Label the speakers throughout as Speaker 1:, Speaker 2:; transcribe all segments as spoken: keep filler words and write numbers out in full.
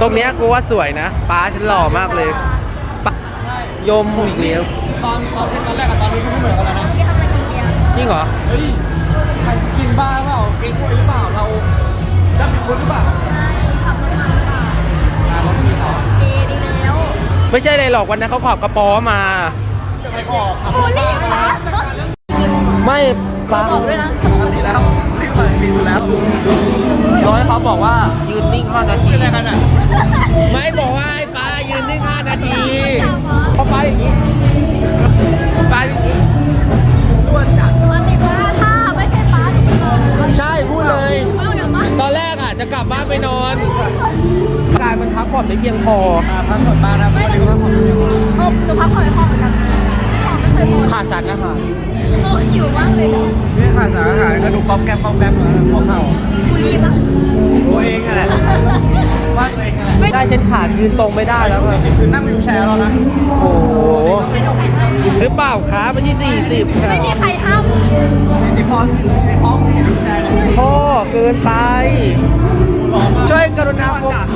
Speaker 1: ตรงเนี้ยกูว่าสวยนะป้าฉันหล่อมากเลยยมอีกแล้ว
Speaker 2: ตอนตอนตอนแรกกับตอนนี้ก็ไม่เหมือนกันแล้วนะ
Speaker 1: จริงเหรอ
Speaker 2: เฮ้ยใครกินบ้าเปล่ากินกล้วยหรือเปล่าเราจะเป็นคนหรือเปล่าขับรถมาหรือเปล่ารถมีเหรอเอดีแล้ว
Speaker 1: ไม่ใช่เลยหรอกวันนั้นเขาขับกระป๋อมา
Speaker 2: จะไปขอขับรถมา
Speaker 1: ไม่ป้า
Speaker 2: บอกด้วยนะปกติแล้วรีบมารีบแล้ว
Speaker 1: ร้อยเขาบอกว่ายืนนิ่งห้านาที
Speaker 2: อะไรกันอ่ะ
Speaker 1: ไม่บอกว่าไอ้ป้ายืนนิ่งห้านาทีเขาไปอย่างนี้ไป
Speaker 2: อ้วนจัด
Speaker 3: ปกติว่าถ้าไม่ใช่ป้าจะไม่นอน
Speaker 1: ใช่พูดเลยตอนแรกอ่ะจะกลับบ้านไปนอนกายมันพักผ่อนไม่เพียงพอ
Speaker 2: พักผ่อนบ้างนะไม่ได้พักผ่อนไม่เพียงพอ
Speaker 3: เออหนูพักผ่อนไม่พอเหมือนกันไม่เคยพอ
Speaker 1: ขาดสารอาหาร
Speaker 3: โอ้หิวมากเลย
Speaker 2: นี่ขาดสารอาหารก็ดูป๊อปแก๊ปป๊อปแก๊ปหัวเข่า
Speaker 3: บุรีปะ
Speaker 2: ตัวเองอะไรว่าตัวเองอะไร
Speaker 1: ได้เช่นขาดยืนตรงไม่ได้แล้ว
Speaker 2: จริงๆคือนั่งวิวแชร์แล้วนะ
Speaker 1: โอ้โหหรือเปล่าคะไม่ใช่สี่สิบค่ะ
Speaker 3: ไม่มีใครห้าม
Speaker 2: ที่พอที่พอเห็นวิวแชร์
Speaker 1: โอ้เกินไปช่วยกรุณาโฟกัส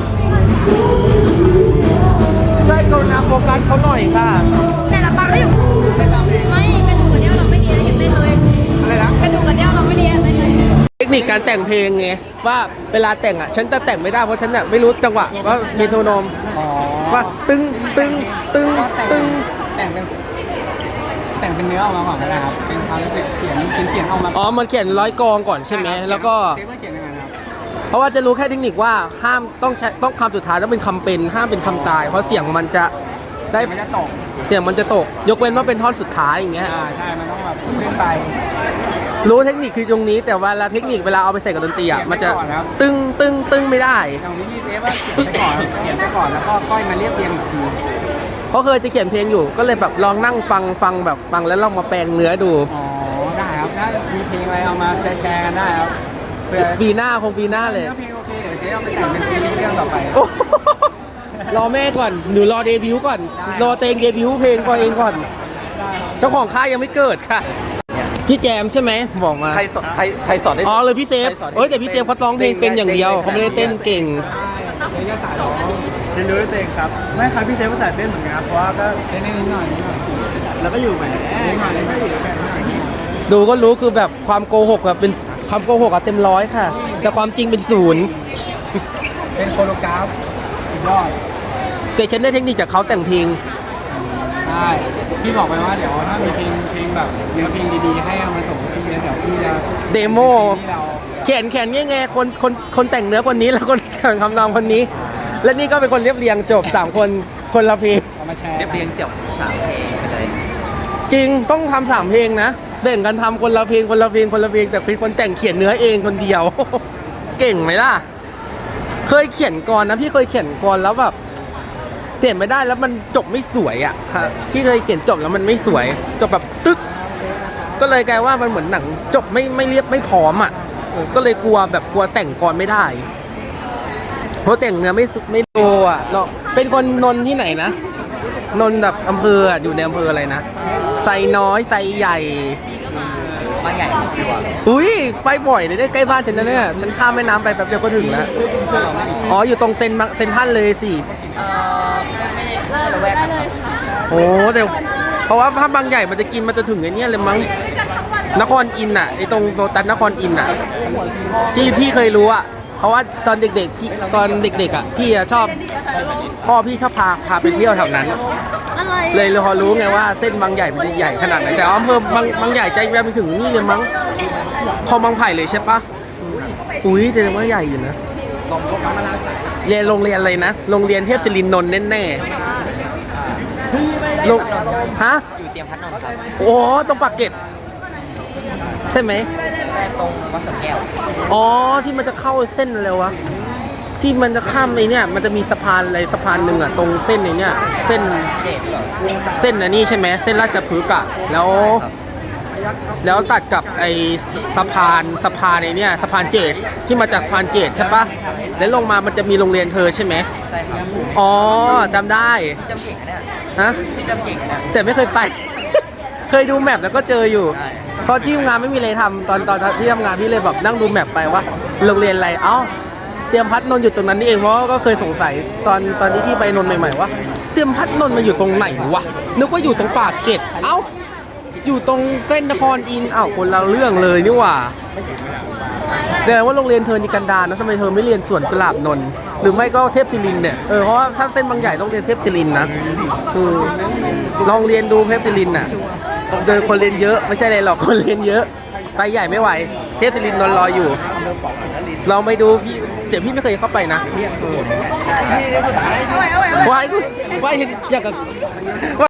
Speaker 1: ช่วยกรุณาโฟกัสเขาหน่อยค่ะ
Speaker 3: แต่ละปังไม่อยู่ไม่กระดูกกระเดี่ยวเราไม่ดีนะยังเต้นเลย
Speaker 2: อะไรนะ
Speaker 3: กระดูกกระเดี่ยวเราไม่ดีเต้นเลย
Speaker 1: เทคนิคการแต่งเพลงไงว่าเวลาแต่งอ่ะฉันจะแต่งไม่ได้เพราะฉันเนี่ยไม่รู้จังหวะว่ามีโทนมว่าตึงตึงตึงตึง
Speaker 2: แต่งเป็นแต่งเป็นเนื้อออกมาก่อนนะครับเป็นความรู้สึกเขียนเขียนเขียนออกมา
Speaker 1: อ๋อมันเขียนร้อยกองก่อนใช่ไหมแล้วก็
Speaker 2: เซฟว่าเขียนยังไงครับ
Speaker 1: เพราะว่าจะรู้แค่เทคนิคว่าห้ามต้องใช้ต้องคำสุดท้ายต้องเป็นคำเป็นห้ามเป็นคำตายเพราะเสียงมันจะได้
Speaker 2: ไม่ได้ตก
Speaker 1: เสียงมันจะตกยกเว้นว่าเป็นท่อนสุดท้ายอย่างเงี้ย
Speaker 2: อ่าใช่มันต้องแบบขึ้นไป
Speaker 1: รู้เทคนิคคือตรงนี้แต่เวลาเทคนิคเวลาเอาไปใส่กับดนตรีอ่ะมันจะตึงตึงตึงไม่ได้
Speaker 2: ตรงนี้เซฟว่าเขียนไปก่อนเขียนไปก่อนแล้วก็ค่อยมาเรียบเรียงอีกที
Speaker 1: เขาเคยจะเขียนเพลงอยู่ก็เลยแบบลองนั่งฟังฟังแบบฟังแล้วลองมาแปลงเนื้อดู
Speaker 2: อ๋อได้ครับถ้ามีเพลงอะไรเอามาแชร์แชร์กันได้ครับ
Speaker 1: ปีหน้าคงปีหน้าเลย
Speaker 2: เพลงโอเคเดี๋ยวเซฟเอาไปแต่งเป็นซีรีส์เรื่องต่อไป
Speaker 1: รอแม่ก่อนหนูรอเดบิวต์ก่อนรอเตงเดบิวต์เพลงก่อนเองก่อนเจ้าของค่ายยังไม่เกิดค่ะพี่แจมใช่ไหมบอกมา
Speaker 2: ใครสอนใครใครสอนได้
Speaker 1: อ๋อเลยพี่เซฟเอ้ยแต่พี่เซฟเขาร้องเพลงเป็นอย่างเดียวเขาไม่ได้เต้นเก่ง
Speaker 2: เรียนสายร้องเรียนรู้ด้วยตัวเองครับไม่ครับพี่เซฟภาษาเต้นเหมือนกันครับเพราะว่าก็เต้นนิดหน่อยแล้วก็อยู่แหมนิดหน่อยนิดหน่อย
Speaker 1: ดูก็รู้คือแบบความโกหกอะเป็นความโกหกอะเต็มร้อยค่ะแต่ความจริงเป็นศูนย์
Speaker 2: เป็นโคโรกราฟสุดยอด
Speaker 1: แต่ฉันได้เทคนิคจากเขาแต่งเพลง
Speaker 2: ใช่พี่บอกไปว่าเดี๋ยวถ้ามีเพลงเพลงแบบเนื้อเพลงดีๆให้เอามาส่งพี่เดี๋ยวพี่จะ
Speaker 1: เดโมเขียนเขียนง่ายๆคนคนคนแต่งเนื้อคนนี้แล้วคนแต่งคำนองคนนี้และนี่ก็เป็นคนเรียบเรียงจบสามคนคนละเพลง
Speaker 2: เรียบเรียงจบสามเพลงไปเลย
Speaker 1: จริงต้องทำสามเพลงนะแบ่งกันทำคนละเพลงคนละเพลงคนละเพลงแต่เป็นคนแต่งเขียนเนื้อเองคนเดียวเก่งไหมล่ะเคยเขียนกรนะพี่เคยเขียนกรแล้วแบบเขียนไม่ได้แล้วมันจบไม่สวยอ่ะพี่เคยเขียนจบแล้วมันไม่สวยจบแบบตึ๊กก็เลยกลายว่ามันเหมือนหนังจบไม่ไม่เรียบไม่พร้อมอ่ะก็เลยกลัวแบบกลัวแต่งกรไม่ได้เพราะแต่งเนื้อไม่ไม่โตอ่ะเราเป็นคนนนที่ไหนนะนนแบบอำเภออยู่ในอำเภออะไรนะไซน้อยไซใหญ่
Speaker 2: บ้านใหญ่
Speaker 1: อุ้ยไปบ่อยเลยได้ใกล้บ้านฉันนะเนี่ยฉันข้ามแม่น้ำไปแป๊บเดียวก็ถึงแล้วอ๋ออยู่ตรงเซนเซนท่านเลยสิ
Speaker 3: เออไม่ได้ระแวกกันครับ
Speaker 1: โอ้แต่เพราะว่าถ้าบางใหญ่มันจะกินมันจะถึงไอ้นี่เลยมั้งนครอินทร์อ่ะไอ้ตรงโซตันนครอินทร์อ่ะที่พี่เคยรู้อ่ะเพราะว่าตอนเด็กๆที่ตอนเด็กๆอ่ะพี่ชอบพ่อพี่ชอบพาพาไปเที่ยวแถวนั้นเลยเลยพอรู้ไงว่าเส้นบางใหญ่มันจะใหญ่ขนาดไหนแต่อำเภอบางบางใหญ่ใจแวบไปถึงนี่เลยมั้งคลองบางไผ่เลยใช่ปะอุ้ยแต่ว่าใหญ่อยู่นะเรียนโรงเรียนอะไรนะโรงเรียนเทพศิรินนท์แน่ๆลงฮะ
Speaker 2: อยู่เตรียมพัดนนท์ครับ
Speaker 1: โอ้ตรงปากเกร็ดใช่ไหม
Speaker 2: ใช่ตรงวัดสวนแก้ว
Speaker 1: อ๋อที่มันจะเข้าเส้นอะไรวะที่มันจะข้ามไอ้เนี่ยมันจะมีสะพานอะไรสะพานหนึ่งอ่ะตรงเส้นไอ้เนี่ยเส้นเส้นอันนี้ใช่ไหมเส้นราชพฤกษ์อ่ะแล้วแล้วตัดกับไอ้สะพานสะพานไอ้เนี่ยสะพานเจดที่มาจากสะพานเจดใช่ปะแล้วลงมามันจะมีโรงเรียนเธอใช่ไหม
Speaker 2: ใช่ครับ
Speaker 1: อ๋อจำได้
Speaker 2: จำเก่งนะ
Speaker 1: ฮะ
Speaker 2: จำเก่งนะ
Speaker 1: แต่ไม่เคยไป เคยดูแมพแล้วก็เจออยู่เพราะที่ทำงานไม่มีอะไรทำตอนตอนที่ทำงานพี่เลยแบบนั่งดูแมพไปว่าโรงเรียนอะไรเอ้าเตรียมพัดนนท์อยู่ตรงนั้นนี่เองเพราะก็เคยสงสัยตอนตอนที่พี่ไปนนท์ใหม่ๆว่าเตรียมพัดนนท์มันอยู่ตรงไหนวะนึกว่าอยู่ตรงปากเกร็ดเอ้าอยู่ตรงเส้นนครอินทร์อ้าวคนละเรื่องเลยนี่หว่าแสดงว่าโรงเรียนเธอนี่กันดารนะทำไมเธอไม่เรียนสวนกุหลาบนนท์หรือไม่ก็เทพศิรินทร์เนี่ยเออเพราะว่าถ้าเส้นบางใหญ่ต้องเรียนเทพศิรินทร์นะคือลองเรียนดูเทพศิรินทร์น่ะเดินคนเรียนเยอะไม่ใช่อะไรหรอกคนเรียนเยอะไปใหญ่ไม่ไหวเทพศิรินทร์นอนรออยู่เราไม่ดูพี่เจ็บพี่ไม่เคยเข้าไปนะวายกูวายอยากกับ